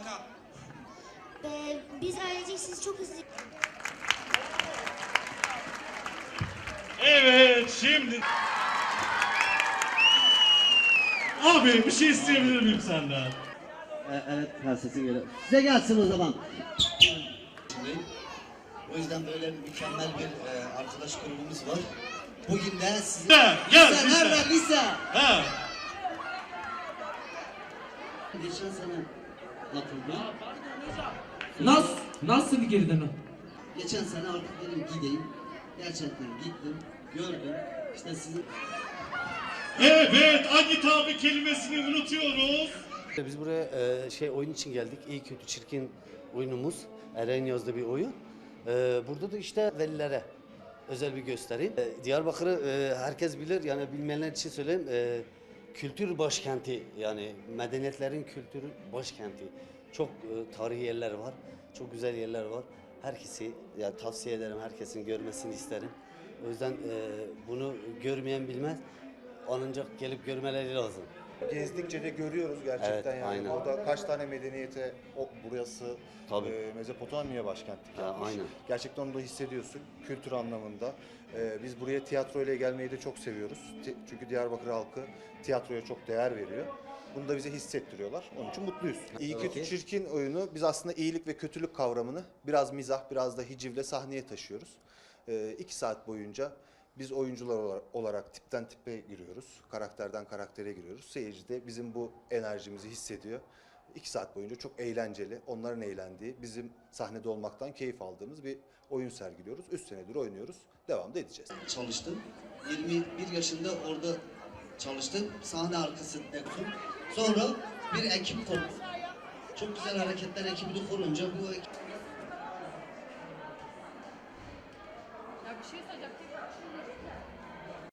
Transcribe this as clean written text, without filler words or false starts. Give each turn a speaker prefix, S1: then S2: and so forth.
S1: Biz ailecek sizi çok hızlı...
S2: Evet, şimdi... Abi bir şey isteyebilir miyim senden?
S3: Evet, sesin geliyor. Size gelsin o zaman.
S4: O yüzden böyle mükemmel bir arkadaş grubumuz var. Bugün de sizin...
S2: Gel,
S3: Nerede lise?
S2: Ha.
S3: Geçen sene katıldım.
S5: Nasıl girdin o?
S3: Geçen sene artık dedim gideyim. Gerçekten gittim, gördüm. İşte sizin...
S2: Evet, Agit abi kelimesini unutuyoruz.
S6: Biz buraya oyun için geldik. İyi kötü çirkin oyunumuz. Eren yazdığı bir oyun. Burada da işte velilere özel bir gösteri. Diyarbakır'ı herkes bilir. Yani bilmeyenler için söyleyeyim. Kültür başkenti, yani medeniyetlerin kültür başkenti. Çok tarihi yerler var. Çok güzel yerler var. Herkesi yani tavsiye ederim. Herkesin görmesini isterim. O yüzden bunu görmeyen bilmez. Ancak gelip görmeleri lazım.
S7: Gezdikçe de görüyoruz gerçekten,
S6: Evet,
S7: yani
S6: aynen.
S7: burada kaç tane medeniyete burası Mezopotamya başkentlik yapmış.
S6: Aynen.
S7: Gerçekten onu da hissediyorsun kültür anlamında. Biz buraya tiyatro ile gelmeyi de çok seviyoruz. Çünkü Diyarbakır halkı tiyatroya çok değer veriyor. Bunu da bize hissettiriyorlar. Onun için mutluyuz. İyi kötü çirkin oyunu biz aslında iyilik ve kötülük kavramını biraz mizah, biraz da hicivle sahneye taşıyoruz. 2 saat boyunca biz oyuncular olarak tipten tipe giriyoruz. Karakterden karaktere giriyoruz. Seyirci de bizim bu enerjimizi hissediyor. 2 saat boyunca çok eğlenceli, onların eğlendiği, bizim sahnede olmaktan keyif aldığımız bir oyun sergiliyoruz. 3 senedir oynuyoruz. Devam da edeceğiz.
S4: Çalıştım. 21 yaşında orada çalıştım. Sahne arkası dektum. Sonra bir ekip kurdum. Çok güzel hareketler ekibini kurunca bu ekip...
S8: Ya bir şey söyleyecektim.